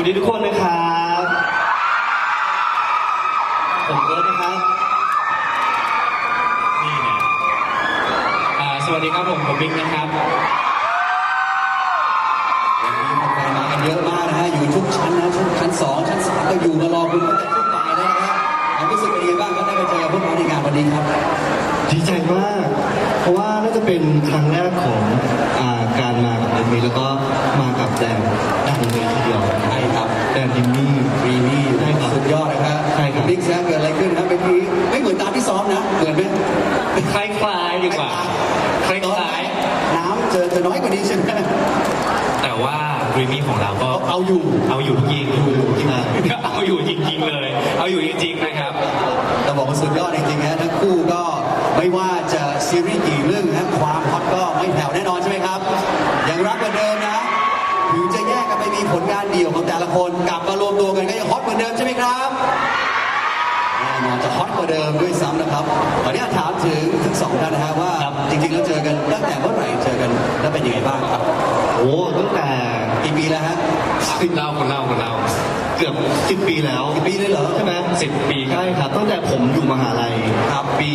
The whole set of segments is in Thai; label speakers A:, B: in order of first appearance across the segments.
A: ดีทุกคนนะครับผมเอิร์ธนะครับ
B: นี่ไงสวัสดีครับผมบิ๊กนะครับ
C: วันนี้แฟนๆมากันเยอะมากนะฮะอยู่ทุกชั้นนะชั้น2ชั้น3ก็อยู่มารอคุณตั้งแต่ช่วงบ่ายแล้วนะฮะความรู้สึกเป็นยังไงบ้างครับได้ไปเจอพวกเราในงานวันนี้ครับ
A: ดีใจมากเพราะว่าน่าจะเป็นครั้งแรกของการมากับเอ็มวีแล้วก็มากับแดนเลยทีเดียว
C: ใช่ครับ
A: แดนดิมมี่
C: รีมี่ได้สุดยอดนะครับ
A: ใช่ครับ
C: บิ๊กแซมเกิดอะไรขึ้นครับเมื่อกี้ไม่เหมือนตามที่ซ้อมนะเหมือนไหม
B: คล้ายๆดีกว่าคล้าย
C: ๆน้ำเจอน้อยกว่านี้ใช่ไหม
B: แต่ว่าดรีมี่ของเราก็
C: เอาอยู่
B: จริงเอาอยู่จริงๆเลยเอาอยู่จริงๆนะครับ
C: แต่บอกว่าสุดยอดจริงๆนะทั้งคู่ก็ไม่ว่าจะซีรีส์กี่เรื่องนะความฮอตก็ไม่แผ่วแน่นอนใช่ไหมครับยังรักเหมือนเดิมนะถึงจะแยกกันไปมีผลงานเดี่ยวของแต่ละคนกลับมารวมตัวกันก็ยังฮอตเหมือนเดิมใช่ไหมครับแน่นอนจะฮอตกว่าเดิมด้วยซ้ำนะครับตอนนี้ถามถึงทั้งสองท่านนะฮะว่าจริงๆแล้วเจอกันตั้งแต่เมื่อไหร่เจอกันแล้วเป็นยังไงบ้างครับ
A: โอ้ตั้งแต่
C: กี่ปีแล้วฮะ
B: คนเล่า
A: เกือบ10 ปีแล้ว
C: 10 ปีเลยเหรอ
A: ใช่ไหม
B: 10 ปี
A: ใช่ครับตั้งแต่ผมอยู่มหาลัย
C: ครับ
A: ปี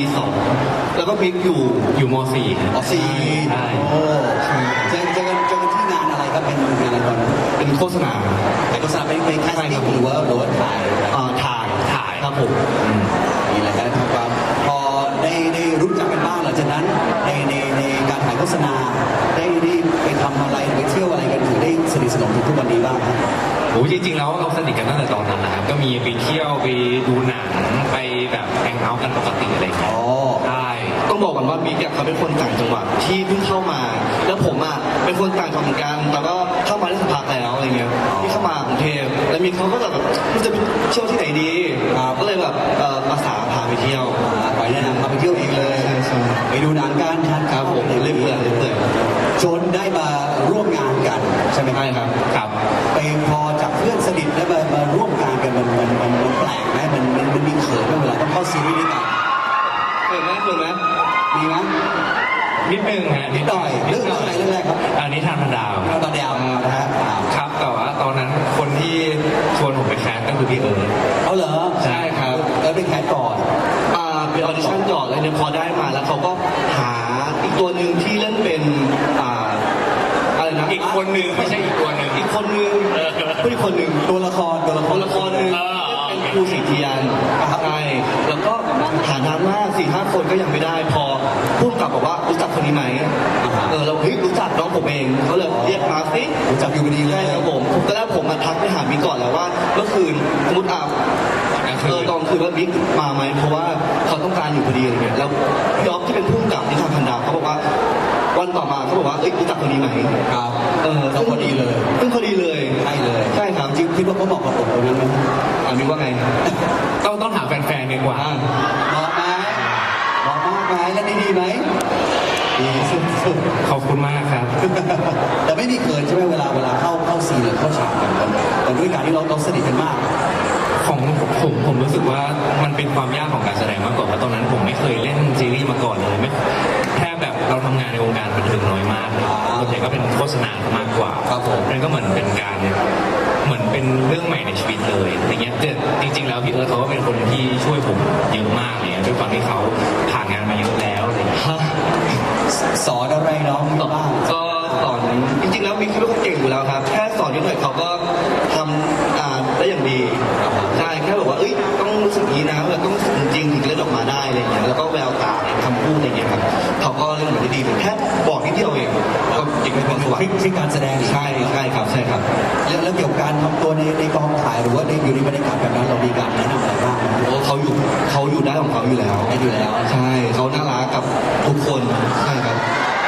A: 2แล้วก็บิ๊กอยู่
B: ม.4
C: ใช่โอ้เจอกันที่งานอะไรครับเป็นงานอะไรก่อน
A: เป็นโฆษณา
C: เป็นแคสติ้งหรือว่า
A: ถ่ายครับผม
C: นี่แหละครับความพอได้รู้จักกันบ้างหลังจากนั้นในการถ่ายโฆษณาได้ไปทำอะไรไปเที่ยวอะไรกันถึงได้สนิทสนมถึงทุกวันนี้บ้างครับ
B: โอ้จริงๆแล้วเราสนิทกันตั้งแต่ตอนนั้นนะครับก็มีไปเที่ยวไปดูหนังไปแบบแฮงเอาท์กันปกติอะไรอย่างเงี้ยใช่
A: ต้องบอกก่อนว่าบิ๊กเขาเป็นคนต่างจังหวัดที่เพิ่งเข้ามาแล้วผมเป็นคนต่างจังหวัดเหมือนกันแต่ก็เข้ามาได้สักพักแล้วอะไรเงี้ยที่เข้ามากรุงเทพแล้วมีเขาก็แบบจะไปเที่ยวที่ไหนดีก็เลยแบบอาสาพาไปเที่ยว
C: ไปแนะนำพาไปเที่ยวเองเลยไปดูหนังกันทานข้าวเรื่อยๆจนได้มาร่วมงานกันใช่ไหม
B: ครับ
C: ไปพอจากเพื่อนสนิทได้มาร่วมงานกันมันแปลกไหมมันมีเขินไหมเวลาต้องเข้าซีรีส์ด้วยกัน
A: เขินไหม
C: มีไหม
B: นิดนึงฮะ
C: นิดหน่อยเรื่องอะไรเรื่องแรกครับ
B: อันนี้ทานพันดาว
C: นะฮะ
B: ครับแต่ว่าตอนนั้นคนที่ชวนผมไปแคสก็คือพี่เอิร์ธ
C: เอาเหรอ
B: ใช่ครับ
C: ไปแคสก่อน
A: เป็นออดิชั่นก่อนแล้วเนี่ยพอได้มาแล้วเขาก็หาอีกตัวหนึ่งที่เล่นเป็นอะไรนะ
B: อีกคนนึงไม่ใช่อีกตัวหนึ่ง
A: อีกคนนึงผู้อีกคนนึง
C: ตัวละครนึง
A: เป็นครูสิทธิยานใช่แล้วก็หานานมาก4-5 คนก็ยังไม่ได้พอพูดกลับบอกว่ารู้จักคนนี้ไหมเรารู้จักน้องผมเองเขาเลยเรียกมาสิ
C: รู้จักอยู่ดีเลย
A: ครับผมตอนแรกผมมาทักไปหาบิ๊กก่อนแล้วว่าเมื่อคืนสมมติตอนคืนว่าบิ๊กมาไหมเพราะว่าเขาต้องการอยู่พอดีอะไรเงี้ยแล้วพี่อ๊อฟที่เป็นผู้กำกับที่ทำพันดาวเขาบอกว่าวันต่อมาเขาบอกว่ารู้จักคนนี้ไหม
C: ครับต้องพอดีเลย
A: พอดีเลย
C: ใช่ครับจริงคิดว่าเขาบอกกับผมตรงนั้นไหม
A: บิ๊กว่าไง
B: ต้องถามแฟนๆดีกว่า
C: บอกมากไหมแล้วดีไหมดีสุด
B: ขอบคุณมากครับ
C: แต่ไม่มีเกินใช่ไหมเวลาเข้าซีนหรือเข้าฉากกันแต่ด้วยการที่เราสนิทกันมาก
B: ของผมรู้สึกว่ามันเป็นความยากของการแสดงมากกว่าเพราะตอนนั้นผมไม่เคยเล่นซีรีส์มาก่อนเลยไม่แค่แบบเราทำงานในวงการบันเทิงน้อยมากส่วนใหญ่ก็เป็นโฆษณามากกว่านั่นก็เหมือนเป็นการเหมือนเป็นเรื่องใหม่ในชีวิตเลยอย่างเงี้ยแต่จริงๆแล้วพี่เอิร์ธเขาก็เป็นคนที่ช่วยผมเยอะมากเลยด้วยความที่เขาผ่านงานมาเยอะแล้วอะไรอย่างเงี้ย
C: สอนอะไรน้องบ้าง
A: ก็สอนจริงๆแล้วมีคิดว่าเขาเก่งอยู่แล้วครับแค่สอนนิดหน่อยเขาก็ทำได้อย่างดีใช่แค่บอกว่าต้องรู้สึกนี้นะต้องรู้สึกจริงถึงจะเล่นออกมาได้อะไรอย่างเงี้ยแล้วก็แววตาคำพูดอะไรอย่างเงี้ยครับเขาก็เล่นมาได้ดีแค่บอกนิดเดียวเองก็เก่งเป็นตัว
C: ที่การแสดง
A: ใช่ครับ
C: แล้วเกี่ยวกับการทำตัวในกองถ่ายหรือว่าอยู่ในบรรยากาศแบบนั้นเรามีการแนะนำอะไรบ้าง
A: เขาอยู่ได้ของเขาอยู่แล้วใช่เขาน่ารักกับทุกคนใช่ครับ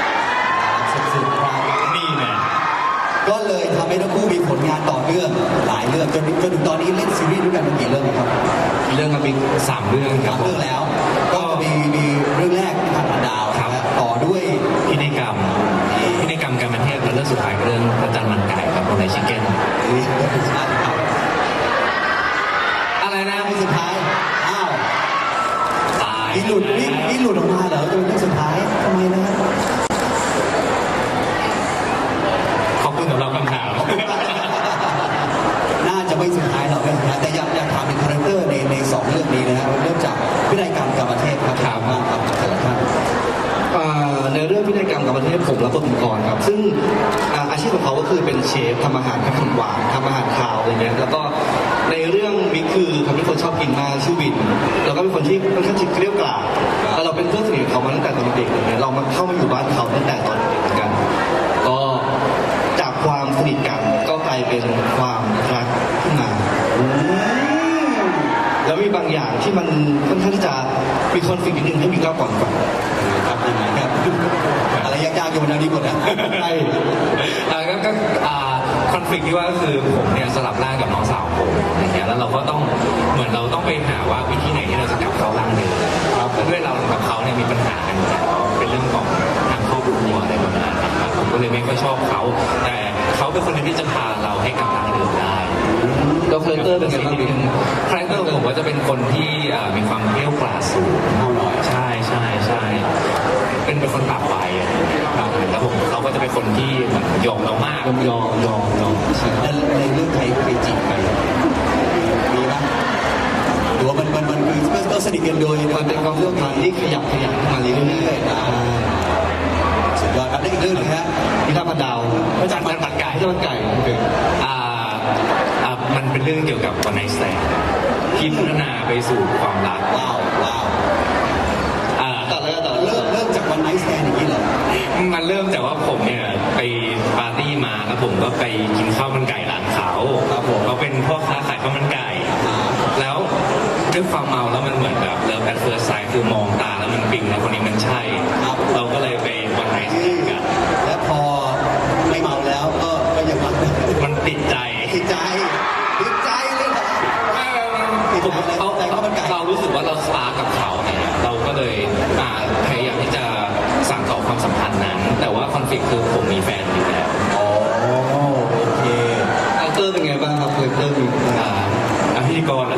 B: นี่ไง
C: ก็เลยทำให้ทั้งคู่มีผลงานต่อเนื่องหลายเรื่องจนถึงตอนนี้เล่นซีรีส์ด้วยกันกี่เรื่องครับ
A: เรื่องกับบิ๊ก
B: 3 เรื่องครับ
C: เรื่องแล้วก็มีเรื่องแรกที่ทำผ่านดาวต่อด้วย
B: พินัยกรรมการบันเทิงและเรื่องสุดท้ายเรื่องพระจันทร์มันไก่ครับคนในชิคเก้นอะไรนะ
C: เรื่องสุดท้าย
B: ตาย
C: นี่หลุดออกมาเหรอจะเป็นเรื่องสุดท้ายทำไมนะ
B: ขอบคุณสำหรับคำถาม
C: น่า
A: รับบทเป็นกรครับซึ่งอาชีพของเขาก็คือเป็นเชฟทำอาหารขนมหวานทำอาหารคาวอะไรเงี้ยแล้วก็ในเรื่องมิกคือเขาเป็นคนชอบกินมากชื่อวินแล้วก็เป็นคนที่ค่อนข้างจิตเกลี้ยวกล่อมแล้วเราเป็นเพื่อนสนิทของเขามาตั้งแต่ตอนเด็กเลยเนี่ยเรามาเข้ามาอยู่บ้านเขาตั้งแต่ตอนเด็กเหมือนกันก็จากความสนิทกันก็กลายเป็นความรักขึ้นมาแล้วมีบางอย่างที่มันค่อนข้างที่จะมีคอนฟ lict นิดนึงให้มิกเล่าก่อน
C: ครับยังไงครับอะไรยากๆอยู่บนนี้หมดนะ
A: ใช่
B: ก็คอนฟ lict ที่ว่าก็คือผมเนี่ยสลับร่างกับน้องสาวผมอย่างเงี้ยแล้วเราก็ต้องเหมือนเราต้องไปหาว่าวิธีไหนที่เราจะกลับเข้าร่างเดิมครับด้วยเรากับเขาเนี่ยมีปัญหากันอยู่แล้วเป็นเรื่องของทางครอบครัวอะไรประมาณนั้นครับผมก็เลยไม่ค่อยชอบเขาแต่เขาเป็นคนหนึงที่จะพาเราให้กลับร่างเดิมได้
A: แล้วคาแรคเตอร์เป็นไงบ้างมิก
B: คาแรคเตอร์ผมว่าจะเป็นคนที่มีความเกรี้ยวกราดสูง
C: เอาหน่อย
B: ใช่เป็นคนปากไวอะครับแล้วผมเขาก็จะเป็นคนที่เหมือนยอมเรามาก
A: ยอมใช่
C: แล้วในเรื่องใครจีบใครมีปะหรือว่ามันคือก็สนิทกันโดย
A: มันเป็นความสัมพันธ์ที่ขยับขึ้นมาเรื่อยๆ
C: สุดยอดครับได้อีกเรื่องหนึงฮะ
A: พิธาพันดาว
B: พระจันทร์ปัดไก่
A: พิธาพันไก่โอเค
B: มันเป็นเรื่องเกี่ยวกับวันไนท์สแตนด์ที่พัฒนาไปสู่ความรัก
C: ว้าว
A: ต่อเลย
C: เริ่มจากวันไนท์สแตนอย่างนี้เหรอ
B: มันเริ่มจากว่าผมเนี่ยไปปาร์ตี้มาแล้วผมก็ไปกินข้าวมันไก่ร้านเขา
C: ครับผม
B: เขาเป็นพ่อค้าขายข้าวมันไก่ แล้วด้วยความเมาแล้วมันเหมือนแบบเลิฟแอดเฟิร์สไซด์คือมองตาแล้วมันปิ๊งแล้วคนนี้มันใช่ เราก็เลยไปวันไนท์สแตนด์กัน
C: และพอไม่เมาแล้วก็ยังรัก
B: มันติดใจ
C: ติดใจเลยเหรอ
B: ผมเรารู้สึกว่าเราสปาร์กับเขาเนี่ยเราก็เลยพยายามที่จะสั่งต่อความสัมพันธ์นั้น แต่ว่าคอนฟ lict คือผมมีแฟนอยู่แล้ว
C: อ๋อโอเค
A: คาแรคเตอร์เป็นไงบ้างครับคาแรคเตอร์มี
B: พิธีกรเหรอ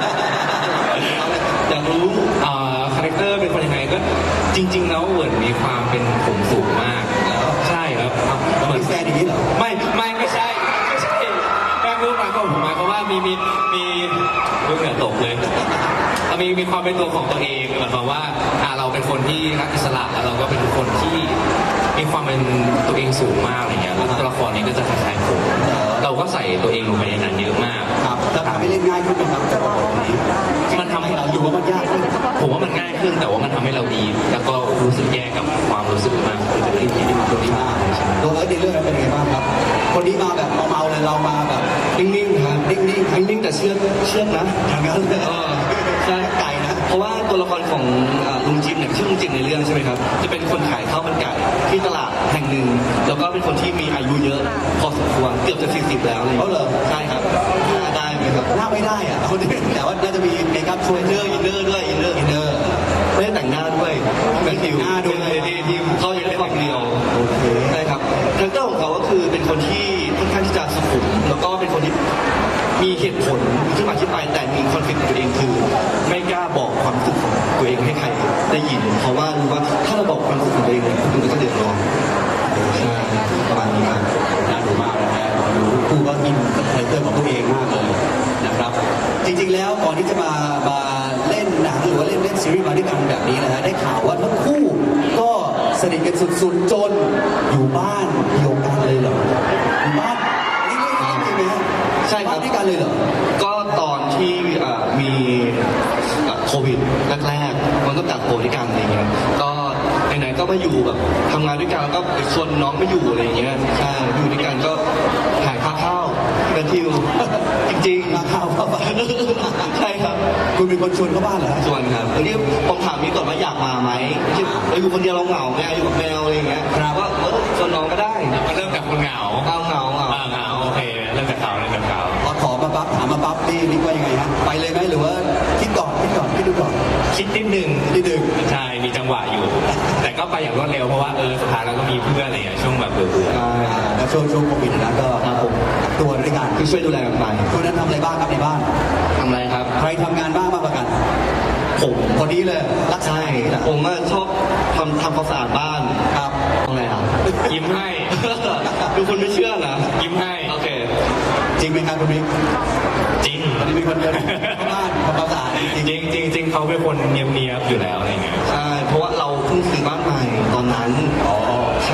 A: อยากรู้
B: คาแรคเตอร์เป็นคนยังไงก็จริง ๆ แล้วเหมือนมีความเป็นผมสูงมาก ใช่ครับ
C: เรา
B: เหมือน
C: มีแฟนอย่างนี้เหรอ
B: ไม่ใช่แม่รู้หมายความว่ามีลูกเหนือตกเลยมีความเป็นตัวของตัวเองหมายความว่าเราเป็นคนที่รักอิสระแล้วเราก็เป็นคนที่มีความเป็นตัวเองสูงมากอะไรเงี้ยแล้วตัวละครนี้ก็จะคล้ายๆผมเราก็ใส่ตัวเองลงไปในนั้นเยอะมาก
C: ครับจะทำให้เล่นง่ายขึ้นไหมครับแต่ละคนนี้
B: มันทำให้
C: เราอยู่ว่ามันยากขึ้น
B: ผมว่ามันง่ายขึ้นแต่ว่ามันทำให้เราดี แล้วก็รู้สึกแย่กับความรู้สึกมากขึ้นจะเป็นที่มาตัวนี้มากใช่ไหม
C: ตัวเอิร์ธในเรื่องนั้นเป็นยังไงบ้างครับ คนนี้มาแบบเมาๆเลยเรามาแบบ
A: นิ่งๆครับ
C: นิ่ง
A: แต่เชื่อนะ
C: ทางนั้นเลย
A: ใช่
C: ไก่นะ
A: เพราะว่าตัวละครของลุงจิมเนี่ยชื่อลุงจิมในเรื่องใช่ไหมครับจะเป็นคนขายข้าวมันไก่ที่ตลาดแห่งหนึ่งแล้วก็เป็นคนที่มีอายุเยอะพอสมควรเกือบจะ40แล้วอะไรอย่าง
C: เขา
A: เงี้ย
C: เหรอ
A: ใช่ครับได้ไหมครับ
C: หน้าไม่ได้อะคนนี้แต่ว่าน่าจะมีเมคอัพช่วย
A: อินเนอร์ด้วยอินเนอร์ไม่ได้แต่งหน้าด้วยเป็นผิว
C: หน้าด้วย
A: ที่เขาอยากได้ความเรียว
C: โอเค
A: ใช่ครับคาแรคเตอร์ของเขาก็คือเป็นคนที่ค่อนข้างที่จะสุขุมแล้วก็เป็นคนที่มีเหตุผลที่มาที่ไปแต่มีคอนฟ lict ตัวเองคือไม่กล้าบอกความรู้สึกของตัวเองให้ใครได้ยิน เพราะว่ารู้ว่าถ้าเราบอกความรู้สึกของตัวเองเนี่ยคนอื่นก็จะเดือดร้อนใช่ประมาณนี้ครับ
C: น่าดูมากนะฮะดูคู่ก็อินกับคาแรคเตอร์ของตัวเองมากเลยนะครับ จริงๆแล้วก่อนที่จะมาเล่นหนังหรือว่าเล่นซีรีส์มาด้วยกันแบบนี้นะฮะได้ข่าวว่าทั้งคู่ก็สนิทกันสุดๆจนอยู่บ้านเดียวกันเลยเหรออยู่บ้านนี่เรื่องจริงไหมฮะ
A: ใช่ครับ
C: บ้านด้วยกันเลยเหรอ
A: ก็ตอนที่มีโควิดแรกๆมันก็กักตัวด้วยกันอะไรเงี้ยก็ไหนๆก็มาอยู่แบบทำงานด้วยกันแล้วก็ไปชวนน้องมาอยู่อะไรเงี้ยใช่อยู่ด้วยกันก็หายค่าข้าวเป็นทิวจริงๆ
C: มาข่าวเข้าบ้าน
A: ใช่ครับ
C: คุณเป็นคนชวนเข้าบ้านเหรอฮะ
A: ส่วนครับทีนี้ผมถามนี้ก่อนว่าอยากมาไหมที่เราอยู่คนเดียวเราเหงาไงอยู่กับแมวอะไรอย่างเงี้ยว่าชวนน้องก็ได้
B: มันเริ่มจากคนเหงา
A: เหงา
B: เหงาโอเคเริ่มจากเขา
C: พอขอมาปั๊บถามมาปั๊บนี่ว่ายังไงฮะไปเลยไหมหรือว่าคิดดูก่อน
B: คิดนิดนึง
C: นิดนึง
B: ใช่มีจังหวะอยู่ แต่ก็ไปอย่างรวดเร็วเพราะว่าสุดท้ายเราก็มีเพื่อนอะไรอย่างเงี้ยช่วงแบบเบื่อ
A: ใช่
C: แล้วช่วงโควิดนะก็
A: ครับผม
C: ตัวด้วยกัน
A: คือช่วยดูแลกันไป
C: คุณนั้นทำอะไรบ้างครับในบ้าน
A: ทำอะไรครับ
C: ใครทำงานบ้างมากกว่ากัน
A: ผม
C: คนนี้เลยรักษา
A: ใช่
C: อย่างนี้แหละ
A: ผมก็ชอบทำความสะอาดบ้าน
C: ครับ
A: ทำอะไรอ่ะ
B: ๆยิ้มให้
A: ดูคนไม่เชื่อนะ
B: ยิ้มให้
A: โอเค
C: จริงไหมครับคุณมิก
B: จริง
C: วันนี้มีคนเดินเข้าบ้านทำความสะอาดจริง
B: จริงเขาเป็นคนเนียบๆอยู่แล้วอะไรเงี้ย
A: ใช่เพราะว่าเราเพิ่งซื้อบ้านใหม่ตอนนั้น
C: อ๋อ
A: ใช่ครับ เ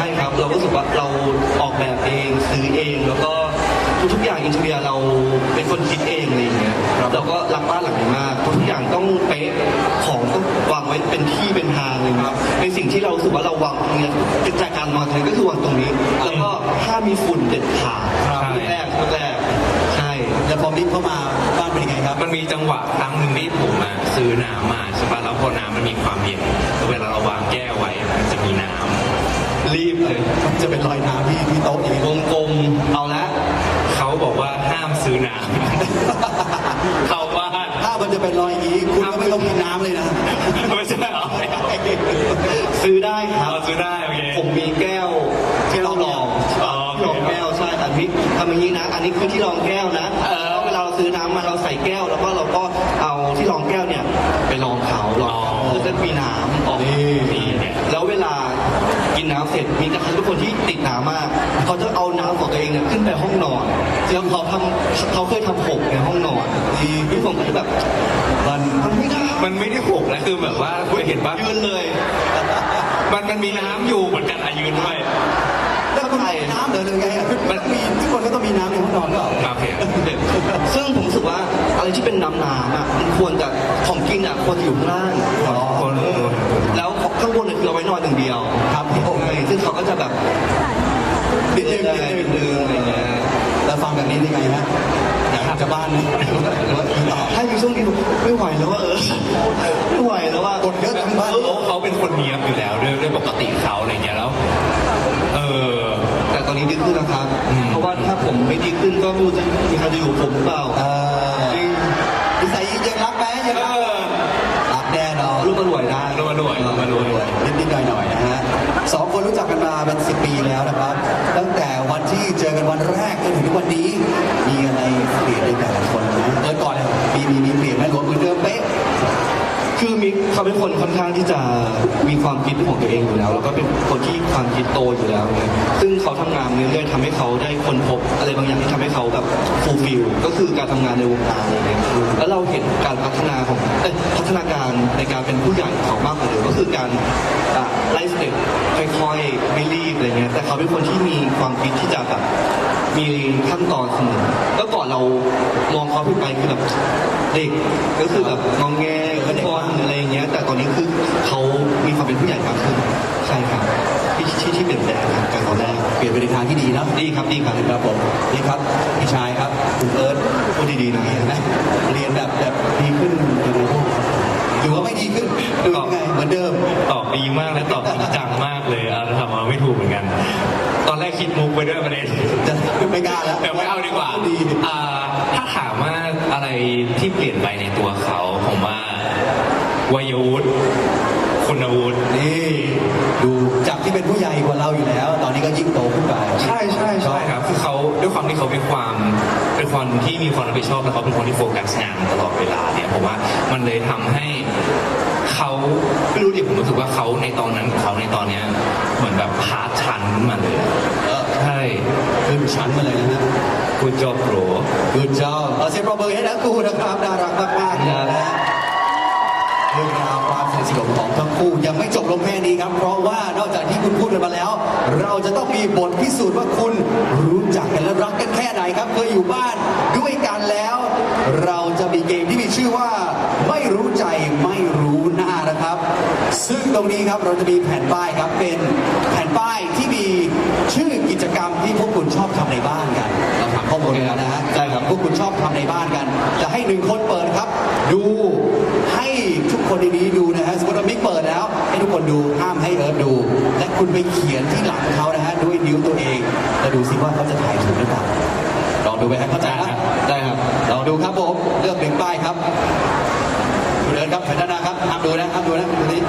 A: เรารู้สึกว่าเราออกแบบเองซื้อเองแล้วก็ทุกอย่างอินเทอร์เนียเราเป็นคนคิดเองอะไรอย่างเงี้ยเราก็รักบ้านหลังนี้มากทุกอย่างต้องเป๊ะของต้องวางไว้เป็นที่เป็นทางเลยครับในสิ่งที่เรารู้สึกว่าเราวางเนี่ยจากการวางเลยก็คือวางตรงนี้ แล้วก็ห้ามมีฝุ่นเด็ดขาดแรกใช่
C: แล้วพอมิกเข้ามาบ้านเป็นยังไงครับ
B: มันมีจังหวะครั้งหนึ่งที่ผมอะซื้อน้ำมาใช่ป่ะแล้วพอน้ำมันมีความเย็นแล้วเวลาเราวางแก้วไว้มันจะมีน้ำรีบเลย
C: มันจะเป็นรอยน้ำที่โต๊ะเอง
A: วงกลมเอาละ
B: เขาบอกว่าห้ามซื้อน้ำ เข้าบ้าน
C: ถ้ามันจะเป็นรอยอย่างนี้คุณก็ไม่ต้องกินน้ำเลยนะ
B: ไม่ใช่เหรอ
A: ซื้อได้ครับ
B: เราซื้อได้โอเค
A: ผมมีแก้วที่เราลอง
B: อ๋อโอเค
A: ลองแก้วใช่แต่มิกทำอย่างนี้นะ อันนี้คือที่รองแก้วนะแล้วเวลาเราซื้อน้ำมาเราใส่แก้ว แล้วก็เราก็เอาที่รองแก้วเนี่ยไปลองเขาลองเขาเพื่อจะมีน้ำออก
B: นี่เนี่ย
A: แล้วเวลากินน้ำเสร็จมีกระทั่งทุกคนที่ติดน้ำมากเขาจะเอาน้ำของตัวเองเนี่ยขึ้นไปห้องนอนแล้วเขาเคยทำหกในห้องนอนที่ผมก็จะแบบมันไม่ได้
B: มันไม่ได้หกนะคือแบบว่าคุณเห็นปะ
A: ยืนเลย
B: มันมีน้ำอยู่เหมือนกันอายืนด้วย
C: แล้วคุณมีน้ำเหรอหรือไงอ่ะมันมีทุกคนก็ต้องมีน้ำในห้องนอนก็
B: โอเค
A: ซึ่งผมรู้สึกว่าอะไรที่เป็นน้ำอ่ะมันควรจะของกินอ่ะควรจะอยู่ข้างล่าง
B: คน
A: แล้วข้างบนเนี่ยคือเอาไว้นอนอย่างเดียว
C: ครับผม
A: ใช่ซึ่งเขาก็จะแบบ
C: นิดนึง
A: อะไรอย่างเงี้ย
C: แล้วฟังแบบนี้ได้ไงฮะอยากกลับจะบ้านไหมหรือว่าต่อ
A: ถ้าอยู่ช่วงนี้ผมไม่ไหวแล้วว่าไม่ไหวแล้วว่า
C: กดเยอะทั้งบ้าน
B: เขาเป็นคนเนียบอยู่แล้วด้วยปกติเขาอะไรเงี้ยแล้ว
A: แต่ตอนนี้ดีขึ้นแล้วครับ เพราะว่าถ้าผมไม่ดีขึ้นก็ไม่รู้จะมีใครจะอยู่กับผมหรือเปล่า จริง
C: นิสัยยังรักไหมยังรักรักแน่นอน
A: ลูกมันรวยได้
B: รวย
C: นิดๆหน่อยๆนะฮะสองคนรู้จักกันมาเป็น10 ปีแล้วนะครับ ตั้งแต่วันที่เจอกันวันแรกจนถึงทุกวันนี้มีอะไรเปลี่ยนในแต่ละคนไหมก่อนเลยมีเปลี่ยนไหมหรือว่าเหมือนเดิมเป๊ะ
A: คือมิกเขาเป็นคนค่อนข้างที่จะมีความคิดของตัวเองอยู่แล้ว แล้วก็เป็นคนที่ความคิดโตอยู่แล้วเนี่ยซึ่งเขาทำงานเรื่อยๆทำให้เขาได้ค้นพบอะไรบางอย่างที่ทำให้เขาแบบฟูลฟิลก็คือการทำงานในวงการอะไรเงี้ยแล้วเราเห็นการพัฒนาของพัฒนาการในการเป็นผู้ใหญ่ของมากกว่าเดิมก็คือการไล่สเต็ปค่อยๆไม่รีบอะไรเงี้ยแต่เขาเป็นคนที่มีความคิดที่จะแบบมีขั้นตอนเสมอแล้วก่อนเรามองเขาขึ้นไปคือแบบเด็กก็คือแบบงองแงขึ้นบอลอะไรอย่างเงี้ยแต่ตอนนี้คือเขามีความเป็นผู้ใหญ่มากขึ้นใช่ครับที่เปลี่ยนแปลงครับจากตอนแรก
C: เปลี่ยนไปในทางที่ดีนะ
A: ดีครับดีครับ
C: ครับผมนี่ครับพี่ชายครับคุณเอิร์ธ
A: พูดดีๆนะ
C: เห็นไหมเรียนแบบดีขึ้นยังไงหรือว่าไม่ดีขึ้นหรือยังไงเหมือนเดิม
B: ตอบดีมากและตอบจริงจังมากเลยทำมาไม่ถูกเหมือนกัน ตอนแรกคิดมุกไปด้วยประเด็น
C: จะไม่กล้าแล้ว
B: แต่ไม่เอาดีกว่า
C: ดี
B: ถ้าถามว่าอะไรที่เปลี่ยนไปในตัวเขาผมว่าวัยวุฒิคุณวุฒิ
C: นี่ดูจากที่เป็นผู้ใหญ่กว่าเราอยู่แล้ว ตอนนี้ก็ยิ่งโตขึ้นไป
B: ใช่ครับคือเขาด้วยความที่เขาเป็นคนที่มีความรับผิดชอบและเขาเป็นคนที่โฟกัสงานตลอดเวลาเนี่ยผมว่ามันเลยทำให้เขาไม่รู้ดิผมรู้สึกว่าเขาในตอนนั้นเขาในตอนเนี้ยเหมือนแบบพาร์ทชันขึ้นมาเลยใช่
C: ขึ้นชั้นมาเลยนะฮะ
B: คุณจอบโปร
C: Good job เอาเสียงปรบมือให้ทั้งคู่นะครับน่ารักมากๆนะฮะเรื่องราวความสนิทสนมของทั้งคู่ยังไม่จบลงแค่นี้ครับ เพราะว่านอกจากที่คุณพูดกันมาแล้ว เราจะต้องมีบทพิสูจน์ว่าคุณรู้จักกันและรักกันแค่ไหนครับเคยอยู่บ้านด้วยกันแล้ว เราจะมีเกมที่มีชื่อว่าไม่รู้ใจไม่รู้หน้านะครับ ซึ่งตรงนี้ครับเราจะมีแผ่นป้ายครับเป็นแผ่นป้ายที่มีชื่อกิจกรรมที่พวกคุณชอบทำในบ้านกันเราถามข้อมูลกันแล้วนะฮะใช่ครับพวกคุณชอบทำในบ้านกัน จะให้หนึ่งคนเปิดครับ ดูให้ทุกคนในนี้ดูนะฮะสมมติว่ามิกเปิดแล้ว ให้ทุกคนดูห้ามให้เอิร์ธดู และคุณไปเขียนที่หลังเขานะฮะด้วยนิ้วตัวเองแล้วดูซิว่าเขาจะถ่ายถูกหรือเปล่าลองดูไปครับเข้าใจนะ
A: ได้ครับ
C: ลองดูครับผมเลือกหนึ่งป้ายครับคุณเอิร์ธครับแผ่นด้านหน้าครับห้ามดูนะห้ามดูนะดูนี้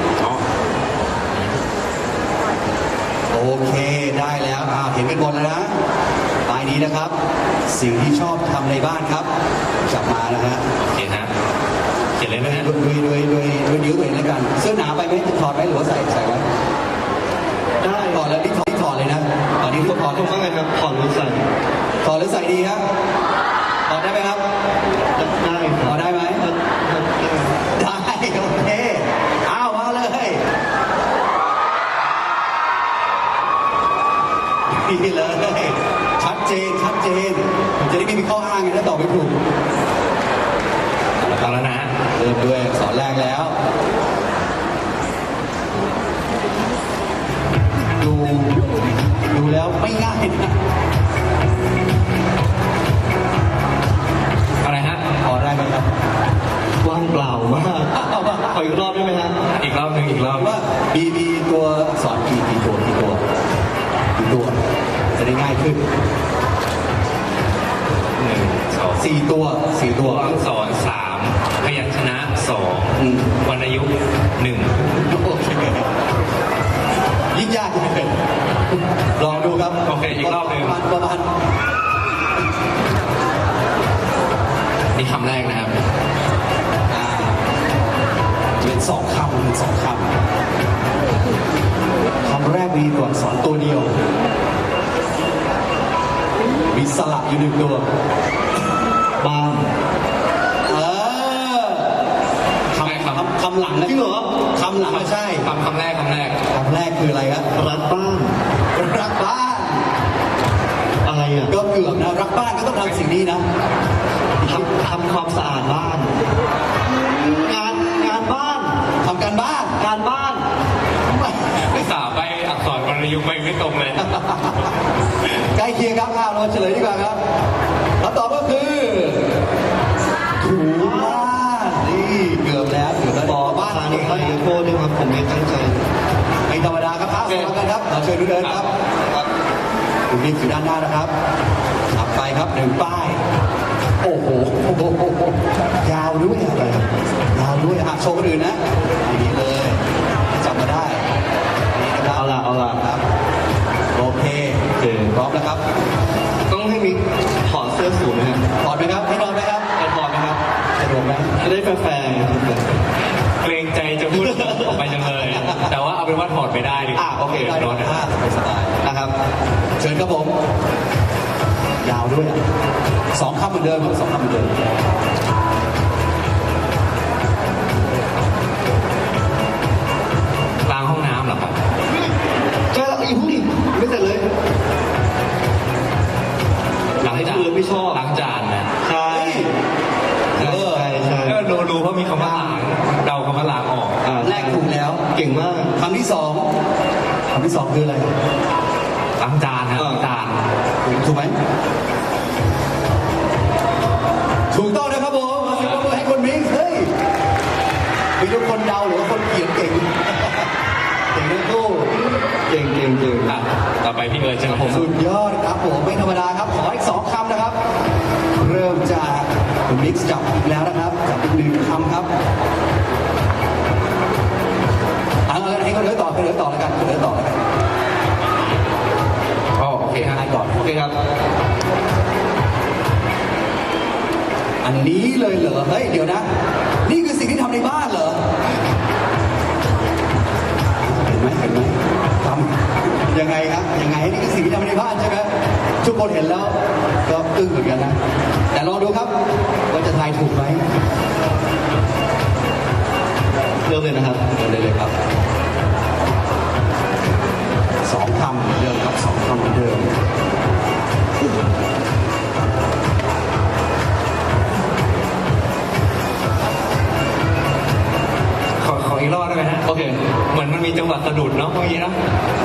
C: โอเคได้แล้วเห็นกันหมดแล้วนะป้ายนี้นะครับ สิ่งที่ชอบทำในบ้านครับจับมานะฮะ
B: โอเคฮะเขียนเลยนะฮะ
C: ด้วยนิ้วตัวเองแล้วกันเสื้อหนาไปไหมถอดไหมหรือว่าใส่ไว้
A: ได้
C: ถอดแล้วนี่ถอดเลยนะตอนนี้ทุกถอด
A: ผ
C: เลยนะ
A: มว่าไงครับผ่อนรู้ใส่
C: ถอดหรือใส่ดีครับถอดได้ไหมครับ
A: ได้
C: ถอดได้ไหมได้โอเคเอามาเลยดีเลยชัดเจนชัดเจนผมจะได้ไม่มีข้ออ้างไงถ้าตอบไม่ถูก
B: เอาแล้วนะ
C: เริ่มด้วยอักษรแรกแล้ว ดูแล้วไม่ง่ายนะ
B: อะไรฮะ
C: พอได้ไหมครับ
A: ว่างเปล่ามากขออีกรอบได้ไหมฮะ
B: อีกรอบหนึ่งอีกรอบ
C: ว่ามีตัวอักษรกี่ตัวจะได้ง่ายขึ้น
B: หนึ่งสอง
C: 4 ตัว
B: ตัวอักษรสามพยัญชนะสอง
C: อืม
B: วรรณยุกต์หนึ่ง
C: โอเคยิ่งยากเลยลองดูครับ
B: โอเคอีกรอบหนึ่ง
C: ประมาณ
B: นี่คำแรกนะครับ
C: อ่าเป็น2 คำเป็น2 คำคำแรกมีตัวอักษรตัวเดียว มีสระอยู่1 ตัว
A: บ้าน
C: เออค
B: ไม่ครับ
C: ำคำหลังนะ
A: จริงเหรอ
C: คำหลังไม่ใช่
B: คำแรก
C: คำแรกคืออะไรครับ
A: รักบ้าน
C: รักบ้าน
A: อะไรอ่ะ
C: ก็เกือบนะรักบ้านก็ต้องทำสิ่งนี้นะ
A: ทำความสะอาดบ้าน งานบ้าน
C: ทำการบ้าน
A: การบ้าน
B: ไม่สาไปอักษรวรรณยุกต์ไม่ตรงเลย
C: ใกล้เคียงครับเราเฉลยดีกว่าครับคำตอบก็คือถูบ้านนี่เกือบแล้วบ้าน
A: ทาง
C: เก่ง
A: เขา
C: มาก
A: ขอโทษด้วยครับผมไม่ตั้งใจ
C: ไม่ธรรมดาครับท้าสอนกันครับเราเชิญดูเดินครับคุณบิ๊กอยู่ด้านหน้านะครับถัดไปครับ1 ป้าย โอ้โหยาวด้วยอะไรยาวด้วยโชว์คนอื่นนะอย่างนี้เลยจำมาได้นี่นะครับ
A: เอาล่ะ
C: ครับโอเคพร้อมแล้วครับ
A: ต้องให้มีถอดเสื้อสูทนะฮะ
C: ถอดไหมครับให้นอนไหมครับ
A: จะถอดไหมครับ
C: สะดวกไหม
A: จะได้แฟร์ๆครับ
B: เกรงใจจะพูดออกไปจังเลย แต่ว่าเอาเป็นว่าถอดไม่ได้ดีกว่า
A: โอเค
C: ได้
B: ร้อน
C: ผ้าสบาย
A: นะครับ
C: ๆเชิญครับผม ยาวด้วย2 คำเหมือนเดิมครับ2 คำเหมือนเดิม
B: ล้างห้องน้ำเหรอครับ
A: ใช่แล้วอีกผู้ดิไม่เสร็จเลย
B: ล้างจาน
A: คือไม่ชอบ
B: ล้างจานนะ
A: ใช่ใช่ใช่
B: ก็รู้เพราะมีคำว่าล้างเดาคำว่าล้างออก
C: แรกถูกแล้ว
A: เก่งมาก
C: คำที่สองคืออะไร
B: ล้างจานครับล้างจาน
C: ถูกไหมถูกต้องนะครับผมขอเสียงปรบมือให้คนมิกซ์เฮ้ยมีทุกคนเดาหรือว่าคนเขียนเก่ง เก่งทั้งคู่
A: เก่ง
B: อ่ะต่อไปพี่เอิร์ธใช่ไหมผม
C: สุดยอดครับผมไม่ธรรมดาครับขออีก2 คำนะครับ เริ่มจากคุณมิกซ์จับอีกแล้วนะครับจับอีก1 คำครับเอาเลยให้เขาเลือกต่อแล้วกันเลือกต่อแล้วกัน
B: อ๋อโอเคฮะ
C: ให้ก่อน
A: โอเคครับ
C: อันนี้เลยเหรอเฮ้ยเดี๋ยวนะ นี่คือสิ่งที่ทำในบ้านเหรอเห็นไหมทำยังไงครับยังไงนี่คือสิ่งที่ทำในบ้านใช่ไหมทุกคนเห็นแล้วก็อึ้งเหมือนกันนะแต่ลองดูครับว่าจะทายถูกไหม
A: เริ่มเลยนะครับ
C: เลยครับ2 คำเหมือนเดิมครับ2 คำเหมือนเดิม
B: ขออีกรอบได้ไหมฮะ
A: โอเค
B: เหมือนมันมีจังหวะสะดุดเนาะเมื่อกี้เนาะ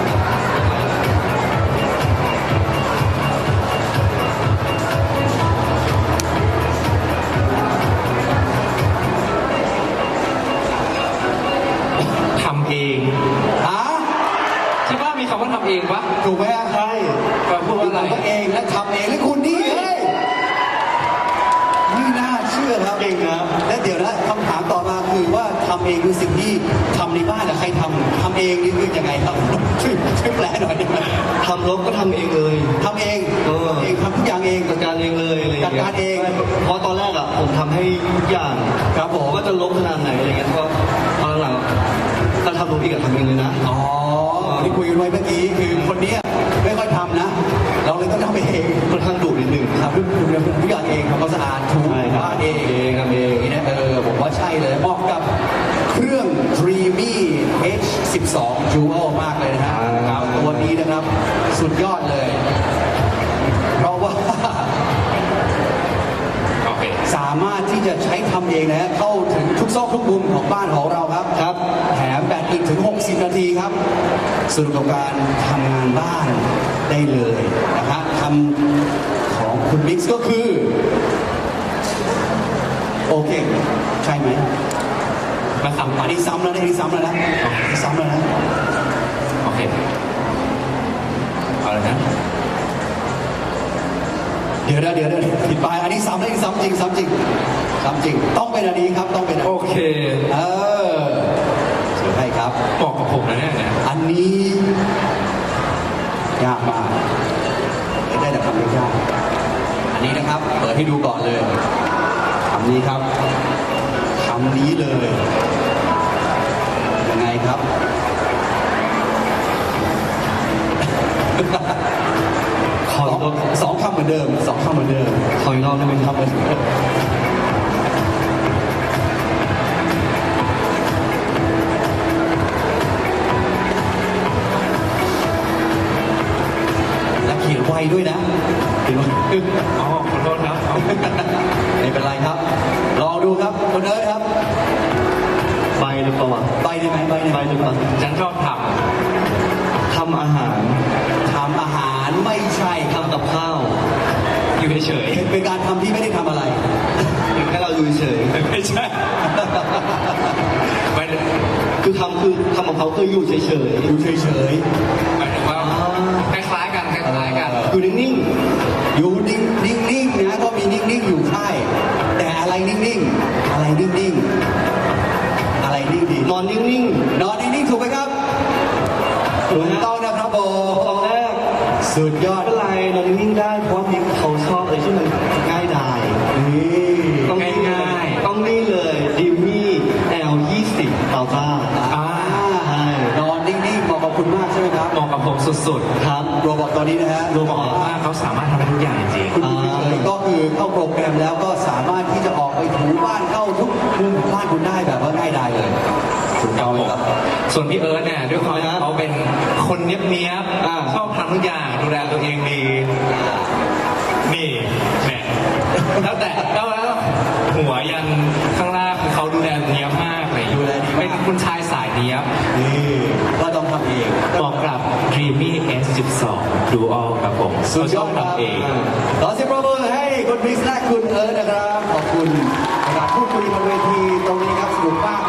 B: ทำเอง
C: อ่ะ
B: ใช่ป่ะมีคำว่าทำเองปะ
C: ถูกไหมอ่ะ
A: ใช่
B: แปลพูดว่าอะไร
C: ทำเองและทำเองและคุณนี่เฮ้ยไม่น่าเชื่อครับ
A: เก่งนะ
C: และเดี๋ยวนะคำถามต่อมาคือว่าทำเองคือสิ่งที่ทำในบ้านแต่ใครทำเองนี่คือยังไงครับช่วยแปลหน่อยได้ไหม
A: ทำรถก็ทำเองเลย
C: ทำเอง
A: เออ
C: ทำทุกอย่างเอง
A: จัดการเองเลยอะไรอย่างเงี้ย
C: จัดการเอง
A: เพราะตอนแรกอ่ะผมทำให้ทุกอย่าง
C: ครับผม
A: ว่าจะลบขนาดไหนอะไรเงี้ยเพราะตอนหลังๆถ้าทำรถอีกอะทำเองเลยนะ
C: อ๋อที่คุยกันไว้เมื่อกี้คือคนเนี้ยไม่ค่อยทำนะ เราเลยต้องทำเอง
A: ค่อนข้างดุนิดนึง
C: ทำทุกอย่างเองทำความสะอาดถู
A: ใช่ครับ
C: บ้านเอง
A: เองครับเอง
C: นี่นะผมว่าใช่เลยเหมาะกับเครื่อง Dreamy H12 Dual มากเลยนะฮะครับตัวนี้นะครับสุดยอดเลยามารถที่จะใช้ทำเองนะฮะเข้าถึงทุกซอกทุกมุมของบ้านของเราครับ
A: ครับ
C: แถมแบตอีกถึง 60 นาทีครับสนุกกับการทำงานบ้านได้เลยนะฮะคำของคุณมิกซ์ก็คือ โอเค ใช่ไหม
B: มาซ้ำ
C: อันนี้ซ้ำแล้วนะอันนี้ซ้ำแล้วนะอันนี้ซ้ำแล้วนะ
B: โอเคเอาเลยนะ
C: เดี๋ยวผิดไปอันนี้ซ้ำแล้วอันนี้ซ้ำจริงซ้ำจริงซ้ำจริง ต้องเป็นอันนี้ครับต้องเป็นอัน
B: โอ
C: นี้
B: เค
C: เออเชิญให้ครับ
B: บอกกับผมนะเนี่ย
C: อันนี้ยากมากได้แต่คำยากๆอันนี้นะครับ เปิดให้ดูก่อนเลยคำนี้ครับคำนี้เลยยังไงครับ
A: ขออีกรอบ
C: สองคำเหมือนเดิมสองคำเหมือนเดิม
A: ขออีกรอบได้ไหมครับ
C: และเขียนไวด้วยนะเขียนไว
B: อ๋อขอโทษครับเอา
C: ไม่เป็นไรครับ ลองดูครับคนเอิร์ธครับ
A: ใบหรือเปล่าวะ
C: ใบได้ไหมใบได้ไห
A: ใบ
C: ม
A: หรือเปล่า
B: ฉันชอบท
A: ทำอาหาร
C: ทำอาหารไม่ใช่ครับ
A: ทำกับข้าว
B: ำอยู่เฉย
C: เป็นการทำที่ไม่ได้ทำอะไร
A: แค่เราดูเฉย
B: ๆไม่ใช่ไม่
A: คือทำกับเขาคืออยู่เฉย
C: อยู่เฉย
B: หมายถึงว่าคล้ายๆกันคล้ายๆกัน
A: ๆอยู่นิ่ง
C: ๆอยู่นิ่งๆนะก็มีนิ่งๆอยู่ใช่แต่อะไรนิ่งๆอะไรนิ่งๆอะไรนิ่งดี
A: ๆนอนนิ่ง
C: นอนนิ่งๆถูกไหมครับ
A: ๆ
C: ถูกต้องนะครับโบ
A: ตอนแรก
C: สุดยอด
A: ไม่เป็นไรนอนนิ่งๆได้เพราะว่าพี่เขาชอบอะไรที่มันง่ายดาย
C: นี่
A: ต้องนี่
B: ง่ายๆ
A: ต้องนี่เลยดิมมี่ L20 เตาต้า
C: อ่า
A: ใช่
C: นอนนิ่งๆเหมาะกับคุณมากใช่ไหมครับ
B: เหมาะกับผมสุด
A: ครับ
C: โรบอทตัวนี้นะฮะ
B: ๆรู้บอกว่าเขาสามารถทำได้ทุกอย่างจริง
C: คุณอยู่เฉยๆก็คือเข้าโปรแกรมแล้วก็สามารถที่จะออกไปถูบ้านเข้าทุกมุมของบ้านคุณได้แบบว่าง่ายดายเลยถูก
B: ๆ
C: ต้องไหมครับ
B: ส่วนพี่เอิร์ธเนี่ยด้วยความที่เขาเป็นคนเนี้ยบๆชอบทำทุกอย่างดูแลตัวเองดี นี่แหมแล้วแต่แล้วหัวยันข้างล่างคือเขาดูแลเนี้ยบมากเลย
C: ดูแลดีมาก
B: เป็นคุณชายสายเนี้ยบ
C: นี่ก็ต้องทำเอง
B: เหมาะกับ Dreamy S12 Dual ครับผม
C: สุดยอดค
B: เขาช
C: รั
B: อบบ ทำเอง
C: ขอเสียงปรบมือให้คุณมิกซ์และคุณเอิร์ธนะครับ ขอบคุณในการพูดคุยบนเวทีตรงนี้ครับสนุกมาก